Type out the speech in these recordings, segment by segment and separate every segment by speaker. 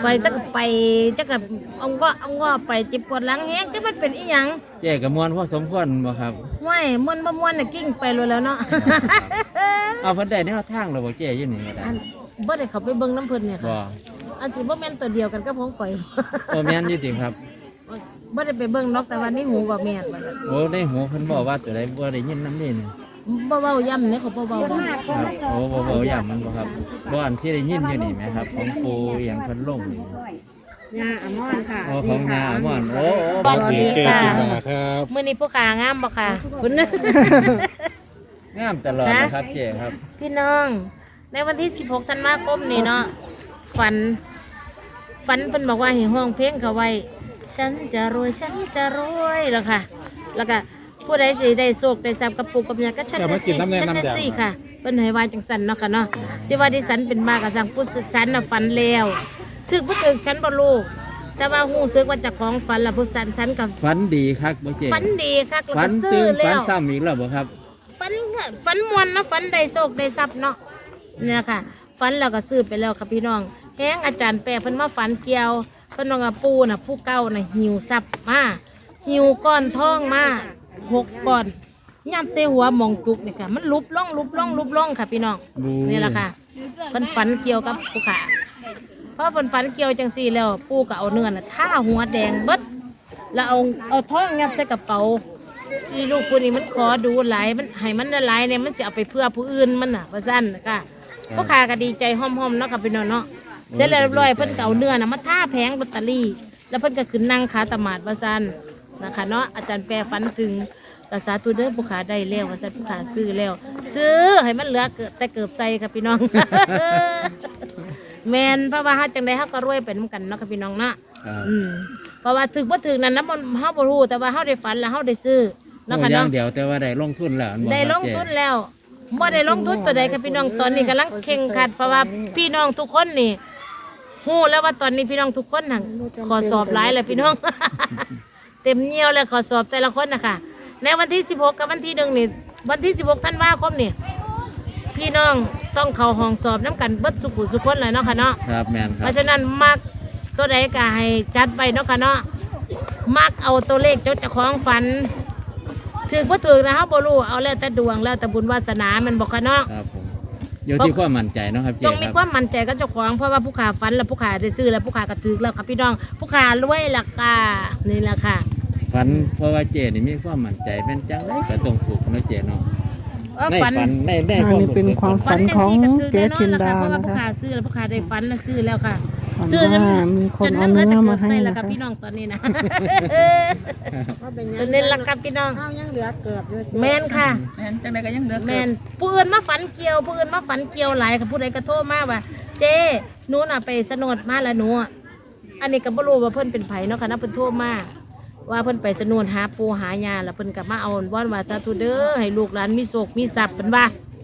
Speaker 1: จักไปจักกับเอาไปจิบปวดหลังแฮงจักมันเป็นอีหยัง
Speaker 2: เจ๊กับมวนพอสมควรบ่ครับ
Speaker 1: ห้วยม่วนบ่ม่วนน่ะกิ้งไปแล้วเนาะ
Speaker 2: เอาเพิ่นได้แนวทางแล้วบ่เจ๊อยู่นี่ก็ได้
Speaker 1: บ่ได้เข้าไปเบิ่งน้ำเพิ่นเนี่ยค่ะ
Speaker 2: บ่
Speaker 1: อันสิบ่แม่นตัวเดียวกันกับของข่อย
Speaker 2: บ่แม่นอยู่ติครับ
Speaker 1: บ่ได้ไปเบิ่งนกแต่ว่าในหูว่าแม่นว่า
Speaker 2: โอ้ในหูเพิ่นบอกว่าตัวใดบ่ได้ยินนำนี่
Speaker 1: บ่เว้าย่ำเนี่ยเขาบ่เว้า
Speaker 2: ครับโอ้บ่ย่ำมันบ่ครับบ่อันที่ได้ยินอยู่นี่แม่ครับของปู่อีหยังเพิ่นลงนี่
Speaker 3: ยาอมรค่ะ
Speaker 2: โอ้ของยาอมรโอ้
Speaker 1: สวัสดีค่ะ
Speaker 4: ครับ
Speaker 1: มื้อนี้ผู้ขางามบ่ค่ะคุณ
Speaker 2: งามตลอดนะครับเจ๊ครับ
Speaker 1: พี่น้องในวันที่16ธันวาคมนี่เนาะฝันเพิ่นบอกว่าให้ห้องเพลงเขาไว้ฉันจะรวยแล้วค่ะแล้วก็ผู้ใดสิได้โชคได้ทรัพย์กับปู่กับย่าก็ฉันได้สิค่ะเพิ่นให้ว่าจังซั่นเนาะค่ะเนาะที่ว่าดิฉันเป็นมาก็สั่งผู้ฉันน่ะฝันแล้วถึกบ่ถึกฉันบ่รู้แต่ว่าฮู้สึกว่าเจ้าของฝันแล้วผู้ฉันก็
Speaker 2: ฝันดีคักบ่เจ๊
Speaker 1: ฝันดีคักแล้ว
Speaker 2: ก็
Speaker 1: ซื้อแล้ว
Speaker 2: ฝันซ้ำอีกแล้วบ่ครับ
Speaker 1: ฝันม่วนเนาะฝันได้โชคได้ทรัพย์เนาะนี่ล่ะค่ะฝันแล้วก็ซื้อไปแล้วค่ะพี่น้องแฮงอาจารย์แปะเพิ่นมาฝันเกี่ยวเพิ่นว่าปู่น่ะผู้เก่าน่ะหิวทรัพย์มาหิวก้อนทองมา6ก้อนยัดใส่หัวหมองจุกนี่ค่ะมันลุบล่องค่ะพี่น้องนี่ล่ะค่ะเพิ่นฝันเกี่ยวกับผู้ขาเพราะเพิ่นฝันเกี่ยวจังซี่แล้วปู่ก็เอาเนื้อน่ะท่าหัวแดงเบิดแล้วเอาทองยัดใส่กระเป๋าอีลูกคนนี้มันขอดูหลายมันให้มันหลายเนี่ยมันจะเอาไปเพื่อผู้อื่นมันน่ะว่าซั่นค่ะผู้ขาก็ดีใจห้อมๆเนาะค่ะพี่น้องเนาะเสร็จแล้วเรียบร้อยเพิ่นก็เอาเนื้อน่ะมาท่าแผงลอตเตอรี่แล้วเพิ่นก็ขึ้นนั่งขาตมาดว่าซั่นนะคะเนาะอาจารย์แปรฝันถึงกษาตุเด้อผู้ขาได้แล้วว่าซั่นผู้ขาซื้อแล้วซื้อให้มันเหลือแต่เกือบใส่ค่ะพี่น้อง แม่นเพราะว่าเฮาจังได๋เฮาก็รวยไปนำกันเนาะค่ะพี่น้องเนาะเพราะว่าถึกบ่ถึกนั้นนะเฮาบ่รู้แต่ว่าเฮาได้ฝันแล้วเฮาได้ซื้อเนาะค่ะเนาะ
Speaker 2: อย่างเดียวแต่ว่าได้ลงทุนแล้ว
Speaker 1: ได้ลงทุนแล้วบ่ได้ลงทุนตัวใดค่ะพี่น้องตอนนี้กำลังแข่งขันเพราะว่าพี่น้องทุกคนนี่ฮู้แล้วว่าตอนนี้พี่น้องทุกคนน่ะขอสอบหลายแล้วพี่น้อง เต็มเหนียวแล้วขอสอบแต่ละคนนะคะในวันที่16กับวันที่1นี่วันที่16ธันวาคมนี่พี่น้องต้องเข้าห้องสอบน้ำกันเบิดสุขุสุคนเลยเนาะค่ะเนาะ
Speaker 2: ครับแม่นครับ
Speaker 1: เพราะฉะนั้นมักตัวใดก็ให้จัดไปเนาะค่ะเนาะมักเอาตัวเลขเจ้าของฝันถือบ่ถือนะเฮาบ่รู้เอาแล้วแต่ดวงแล้วแต่บุญวาสนามันบ่ค่ะเนาะ
Speaker 2: ครับผมอยู่ที่ความมั่นใจเนาะครับเจ๊
Speaker 1: ต้องมีความมั่นใจกับเจ้าของเพราะว่าผู้ขาฝันแล้วผู้ขาได้ซื้อแล้วผู้ขาก็ถือแล้วครับพี่น้องผู้ขารวยล่ะค่ะนี่ล่ะค่ะ
Speaker 2: ฝันเพราะว่าเจ๊นี่มีความมั่นใจเป็นจังไดก็ต้องถูกเนาะเจ๊เนาะในฝันใน
Speaker 4: ความเป็นความฝันของเจ๊จินดา
Speaker 1: เพราะว่า
Speaker 4: นะคะ
Speaker 1: ผู้ขาซื้อแล้วผู้ขาได้ฝันแล้วซื้อแล้วค่ะซื้อ
Speaker 4: มีคนเอาเนื้อมาให้
Speaker 1: แล้วครับพี่น้องตอนนี้นะตอนนี้ละครับพี่น้อง
Speaker 3: ยังเหลือเกือบด้วย
Speaker 1: แม่นค่ะ
Speaker 3: แม่นจังไดก็ยังเหลือ
Speaker 1: แม่นผู้อื่นมาฝันเกี่ยวหลายค่ะผู้ใดก็โทรมาว่าเจ๊หนูน่ะไปสนดมาแล้วหนูอันนี้ก็บ่รู้ว่าเพิ่นเป็นไผเนาะค่ะนะเพิ่นโทรมาว่าเพิ่นไปสนดหาปูหายาแล้วเพิ่นก็มาเอาว่อนว่าสาธุเด้อให้ลูกหลานมีโชคมีทรัพย์เพิ่นว่า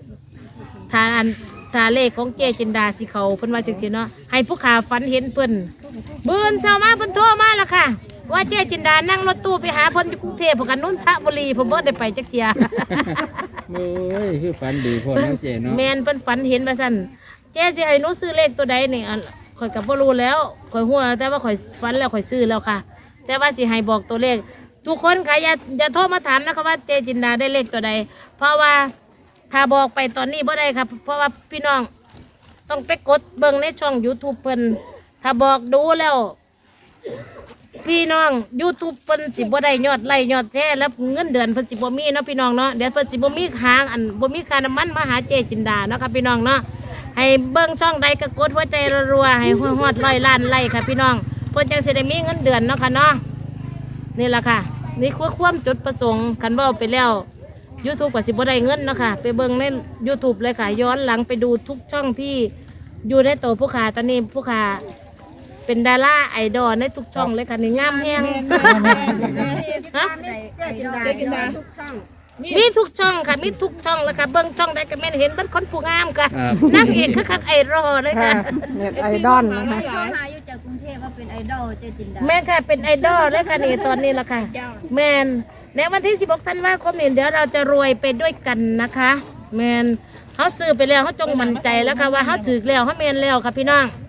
Speaker 1: ถ้าเลขของเจ๊จินดาสิเขาเพิ่นว่าจังซี่เนาะให้ผู้ขาฝันเห็นเพิ่นมื้อเช้ามาเพิ่นโทรมาแล้วค่ะว่าเจ๊จินดานั่งรถตู้ไปหาเพิ่นอยู่กรุงเทพฯกันนนทบุรีเพิ่นบ่ได้ไปจักเที่ย
Speaker 2: โอ้ยคือฝันดีโพดเนาะเจ๊เนาะ
Speaker 1: แม่นเพิ่นฝันเห็นว่าซั่นเจ๊สิให้หนูซื้อเลขตัวใดนี่ข่อยก็บ่รู้แล้วข่อยฮู้แต่ว่าข่อยฝันแล้วข่อยซื้อแล้วค่ะแต่ว่าสิให้บอกตัวเลขทุกคนค่ะอย่าโทรมาถามนะคะว่าเจ๊จินดาได้เลขตัวใดเพราะว่าถ้าบอกไปตอนนี้บ่ได้ครับเพราะว่าพี่น้องต้องไปกดเบิ่งในช่อง YouTube เพิ่นถ้าบอกดูแล้วพี่น้อง YouTube เพิ่นสิบ่ได้ยอดไลค์ยอดแท้แล้วเงินเดือนเพิ่นสิบ่มีเนาะพี่น้องเนาะเดี๋ยวเพิ่นสิบ่มีค้างบ่มีค่าน้ำมันมาหาเจ๊จินดาเนาะค่ะพี่น้องเนาะให้เบิ่งช่องใดก็กดหัวใจรัวๆให้ฮอด100 ล้านไลค์ค่ะพี่น้องเพิ่นจังสิได้มีเงินเดือนเนาะค่ะเนาะนี่ล่ะค่ะนี่คือความจุดประสงค์คันเว้าไปแล้ว YouTube ก็สิบ่ได้เงินเนาะค่ะไปเบิ่งใน YouTube เลยค่ะย้อนหลังไปดูทุกช่องที่อยู่ในโตผู้ขาตอนนี้ผู้ขาเป็นดาราไอดอลในทุกช่องเลยค่ะนี่งามแฮงฮะมีทุกช่องค่ะมีทุกช่องแล้วค่ะเบิ่งช่องใดก็แม่นเห็นเบิดคนผู้งามค่ะนางเอกคักๆไอดอลเลยค่ะ
Speaker 4: ไอดอลนะคะ
Speaker 3: หาอยู่จากกรุงเทพว่าเป็นไอดอลเจ๊จินดา
Speaker 1: แม่ค่ะเป็นไอดอลเลยค่ะนี่ตอนนี้ล่ะค่ะแม่นในวันที่16ธันวาคมนี้เดี๋ยวเราจะรวยไปด้วยกันนะคะแม่นเฮาซื้อไปแล้วเฮาจงมั่นใจแล้วค่ะว่าเฮาถูกแล้วเฮาแม่นแล้วค่ะพี่น้อง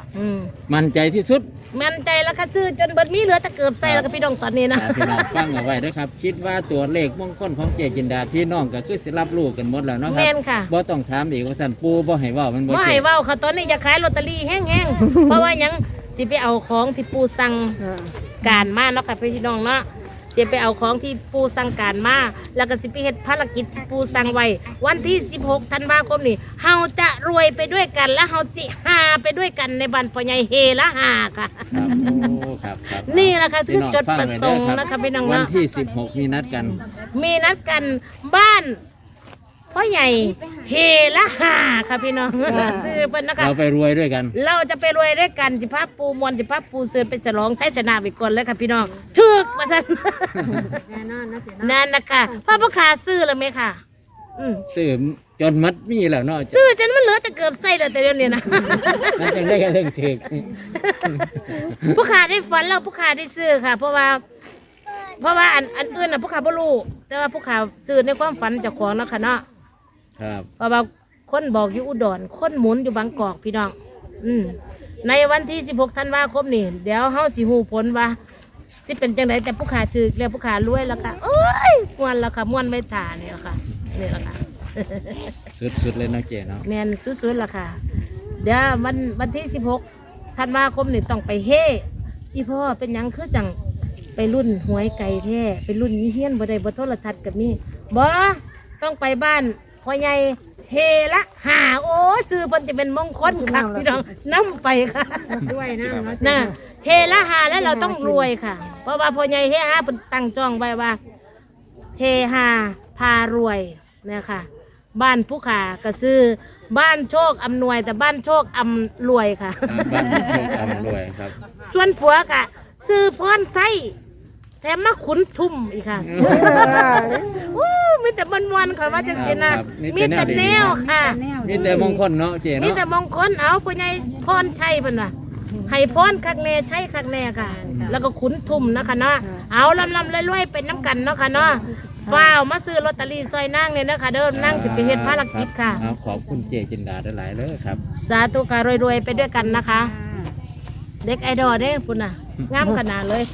Speaker 2: มั่นใจที่สุด
Speaker 1: มั่นใจแล้วค่ะซื้อจนเบิดมีเหลือแต่เกือบใส่แล้วก็พี่น้องตอนนี้นะ
Speaker 2: พี่น้องฟังเอาไว้ด้วยครับ คิดว่าตัวเลขมงคลของเจจินดาพี่น้องก็คือสิรับรู้กันหมดแล้วเนาะครั
Speaker 1: แม่นค่ะ
Speaker 2: บ่ต้องถามอีกว่าท่านปู่บ่ให้เว้ามันบ่
Speaker 1: ว่า
Speaker 2: เจ็
Speaker 1: ให้
Speaker 2: บ
Speaker 1: เว้าค่ะตอนนี้จะขายลอตเตอรี่แห้งๆ เพราะว่าหยังสิไปเอาของที่ปูสั่งการมาเนาะค่ะพี่น้องเนาะสิไปเอาของที่ปูสั่งการมาแล้วก็สิไปเฮ็ดภารกิจที่ปูสั่งไว้วันที่16ธันวาคมนี้เฮาจะรวยไปด้วยกันและเฮาสิหาไปด้วยกันในบ้านพ่อใหญ่เฮละหาค่ะ
Speaker 2: ครับโอ้ครับครับ
Speaker 1: นี่แหละค่ะคือ
Speaker 2: พี่น้
Speaker 1: จุดประสงค์
Speaker 2: ฟัไว้เด้อ
Speaker 1: นะคะพี่น้อง
Speaker 2: วัน
Speaker 1: เนาะ
Speaker 2: ที่16มีนัดกัน
Speaker 1: มีนัดกันบ้านพ่อใหญ่เฮละหาค่ะพี่น้องชื่อเพิ่นนะคะ
Speaker 2: เราไปรวยด้วยกัน
Speaker 1: เราจะไปรวยด้วยกันจิภาพปูมวลจิภาพปูเสือไปฉลองใช้ชนะไปก่อนเลยค่ะพี่น้องถึกมาสัน
Speaker 3: แน่นอนนะเจ๊
Speaker 1: นั่นนะคะพ่อพ่อขาซื้อแล้วไหมค่ะ
Speaker 2: ซื้อจนมัดมีแล้วเนาะ
Speaker 1: ซื้อจนมันเหลือแต่เกือบไส้เลยแต่เดี๋ยวนี้นะ
Speaker 2: นั่นจังได้กันถึงถึก
Speaker 1: ผู้ขาได้ฝันแล้วผู้ขาได้ซื้อค่ะ เพราะว่าอันอื่นน่ะผู้ขาบ่รู้แต่ว่าผู้ขาซื้อในความฝันเจ้าของเนาะค่ะเนาะ
Speaker 2: ครับ
Speaker 1: เพราะว่าคนบอกอยู่อุดรคนหมุนอยู่บางกอกพี่น้องในวันที่16ธันวาคมนี่เดี๋ยวเฮาสิฮู้ผลว่าสิเป็นจังไดแต่ผู้ขาถือแล้วผู้ขารวยแล้วค่ะโอ้ยม่วนแล้วค่ะม่วนไม่ถ่านี่แหละค่ะนี่แหละค่ะ
Speaker 2: สุดๆเลยเนาะเจเนาะ
Speaker 1: แม่นสุดๆล่ะค่ะ เดี๋ยววันที่16ธันวาคมนี่ต้องไปเฮอีพ่อเป็นหยังคือจังไปรุ่นหวยไก่แท้ไปรุ่นยี่เฮียนบ่ได้บ่โทรทัศน์กับนี่บ่ต้องไปบ้านพ่อใหญ่เฮละหาโอ้ชื่อเพิ่นจะเป็นมงคลค่ะพี่น้องนํไปค่ะ
Speaker 3: ด้วยนะเนาะ
Speaker 1: น่ะเฮละหาแล้วเราต้องรวยค่ะ เพราะว่าพ่อใหญ่เฮหาเพิ่นตั้งจ้องไว้ว่าเฮหาพารวยเนี่ยค่ะ บ้านผู้ขาก็ซื้อบ้านโชคอำนวยแต่บ้านโชคอำรวยค่ะ
Speaker 2: บ้านที่ถูกทำรวยครับ
Speaker 1: ส่วนผัวกะซื้อพรไส้แถมมาขุนทุ่มอีกค่ะอู้มีแต่วันๆค่ะว่าจะเสียนะครับ มีแต่แนวค่ะ
Speaker 2: มีแต่มงคลเนาะเจ
Speaker 1: มี
Speaker 2: เนาะ
Speaker 1: แต่มงคลเอาผู้ใหญ่พรชัยเพิ่นว่าให้พรคักแน่ใช่คักแน่ค่ะ แล้วก็ขุนทุ่มนะคะเนาะเอาลำๆรวยๆเป็นน้ำกันเนาะค่ะเนาะฟ้าวมาซื้อลอตเตอรี่ซอยนางเนี่ยนะคะเด้อนั่งสิไปเฮ็ดภารกิจค่ะ
Speaker 2: เอาขอบคุณเจจินดาหลายๆเลยครับ
Speaker 1: สาธุค่ะรวยๆไปด้วยกันนะคะ เด็กไอดอลเด้ปุ่นน่ะงามขนาดเลย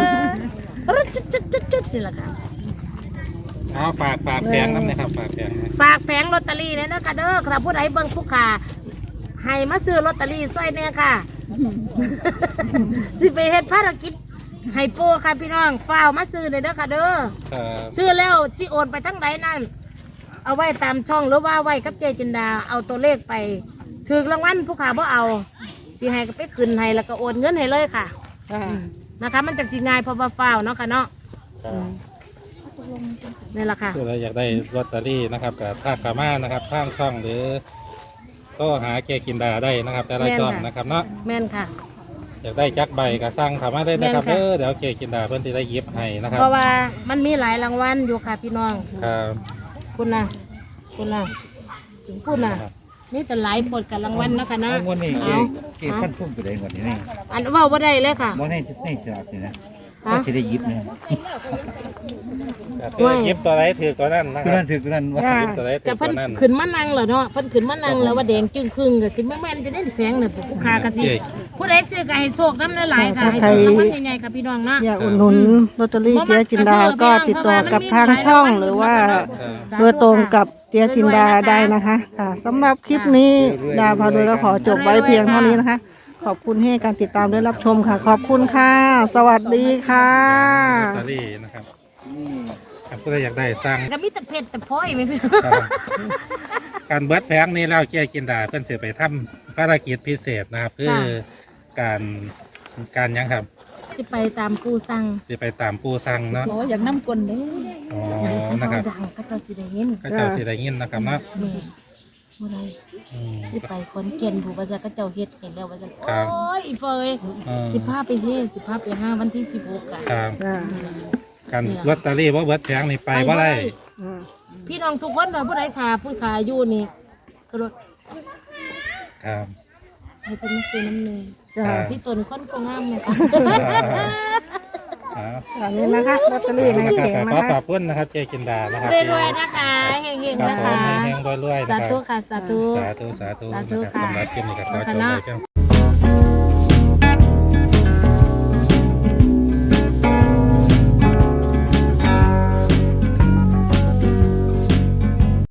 Speaker 1: จุดๆๆๆนี่แหละค่ะ
Speaker 5: เอาฝากแพงน้ำนะครับฝากแพงนะ
Speaker 1: ฝากแผงลอตเตอรี่เนี่ยนะคะเด้อถ้าผู้ใดเบิ่งผู้ขาให้มาซื้อลอตเตอรี่ซอยเนี่ยค่ะ สิไปเฮ็ดภารกิจให้โปค่ะพี่น้องฝ้าวมาซื้อเลยเด้อค่ะเด้อ
Speaker 5: ครับ
Speaker 1: ซื้อแล้วจิโอนไปทั้งใดนั่นเอาไว้ตามช่องหรือว่าไว้กับเจจินดาเอาตัวเลขไปถือรางวัลผู้ขาบ่เอาสิให้ก็ไปขึ้นให้แล้วก็โอนเงินให้เลยค่ะนะคะ มันจากสิง่ายเพราะว่าฝ้าวเนาะค่ะเนาะนี่แหละค่ะ
Speaker 5: คือเราอยากได้ลอตเตอรี่นะครับกับท่าขามานะครับข้างช่องหรือก็หาเกกินดาได้นะครับ แต่ละช่องนะครับเนาะ
Speaker 1: แม่นค่ะ
Speaker 5: อยากได้จักใบกับสร้างขามาได้นะครับ
Speaker 1: แม่นค่ะ
Speaker 5: เดี๋ยวเกกินดาเพื่อนที่ได้หยิบให้นะครับ
Speaker 1: เพราะว่ามันมีหลายรางวัลอยู่ค่ะพี่น้อง
Speaker 5: ครับ
Speaker 1: คุณนะถึงพูดนะนี่แต่หลายผลกับรางวัลเนาะคะนะ
Speaker 6: งวดนี้
Speaker 1: เอา
Speaker 6: เกขั้นพุ่มไปได้งวดนี้นี่
Speaker 1: อันว่าบ่ได้เลยค่ะ
Speaker 6: บ่ในสลากนี่นะ
Speaker 1: ฮะ
Speaker 6: ก็สิได้หยิบเนี่ย
Speaker 5: คือหยิบตัวไหนถือตัวนั้นนะค
Speaker 6: ตัว
Speaker 5: รับ
Speaker 6: นั้นถือตัวนั้นว่า
Speaker 5: หยิบตัวไหนถื
Speaker 1: แต่
Speaker 5: อ
Speaker 1: เพิ่
Speaker 5: ตั
Speaker 1: น
Speaker 5: วนั้น
Speaker 1: ขึ้นมานั่งเหรอเนาะเพิ่นขึ้นมานั่งแล้วว่าแดงจึงครึ่งก็สิแม่นจะได้แพงเนี่ยผู้ค้าก็สิผู้ใดซื้อก็ให้โชคน้ำหลายๆค่ะให้ถูกรางวัลใหญ่ๆค่ะพี่น้องเนาะ
Speaker 4: อยากอุดหนุนลอตเตอรี่เจ๊จินดาก็ติดต่อกับทางช่องหรือว่าโดยตรงกับเจ๊จินดาได้นะคะค่ะสำหรับคลิปนี้ดาพาโดยก็ขอจบไว้เพียงเท่านี้นะคะ ขอบคุณให้การติดตามและรับชมค่ะ ขอบคุณค่ะ สวัสดีค่ะ
Speaker 5: ลอตเตอรี่นะครับครับก็อยากได้สร้าง
Speaker 1: ก็มีแต่เผ็ดแต่พ้อยไม่พี่
Speaker 5: ครับการเบิดแพงนี้แล้วเกกินดาเพื่อนเสือไปทำภารกิจพิเศษนะครับคือการยังครับ
Speaker 1: สิไปตามปูสั่ง
Speaker 5: จะไปตามปูสั่งเนาะ
Speaker 3: โอ้อยากน้ำกลนเด้
Speaker 5: อ๋อนะครับ
Speaker 1: ดังก็เจ้าสิได้เห็น
Speaker 5: ก็เจ้าสิได้ยินนะครับเนาะ
Speaker 1: แม่บ่ได้
Speaker 5: อืม
Speaker 1: สิไปคนเก่นผู้ว่าจะก็เจ้าเฮ็ดเห็นแล้วว่าจะ
Speaker 5: ครับ
Speaker 1: โอ้ยอีเฟย
Speaker 5: อืม
Speaker 1: 15ไปเฮ็ด15ไป5วันที่16กัน
Speaker 5: ครับการลอตเตอรี่ว่าเบิดแพงนี่ไปว่าได้
Speaker 1: พี่น้องทุกคนว่าผู้ใดขาผู้ขาอยู่นี่ก็รถ
Speaker 5: ครับ
Speaker 1: ให้เป็นมาซื้อน้ำเนย
Speaker 5: ครับ
Speaker 1: พี่ตนคนก็งามนะคะ
Speaker 5: ครับ
Speaker 4: อันนี้นะคะลอตเตอรี่ใน
Speaker 5: นะค
Speaker 4: เข่ง
Speaker 5: รับ
Speaker 4: นะ
Speaker 5: ขอ
Speaker 4: คะ
Speaker 5: ขอบคุณนะครับเจกินดานะครับ
Speaker 1: รวยๆนะคะเฮงๆ
Speaker 5: ครับ
Speaker 1: นะ
Speaker 5: ผม
Speaker 1: คะ
Speaker 5: แห้งๆรวยๆนะ
Speaker 1: สา
Speaker 5: ครับ
Speaker 1: ธุค่ะสาธุ
Speaker 5: สาธุ
Speaker 1: สาธุ
Speaker 5: นะครับ
Speaker 1: ค่ะ
Speaker 5: สำหรับคลิปนี้ก็ขอจบ
Speaker 1: คณะ
Speaker 5: ไว้เพียง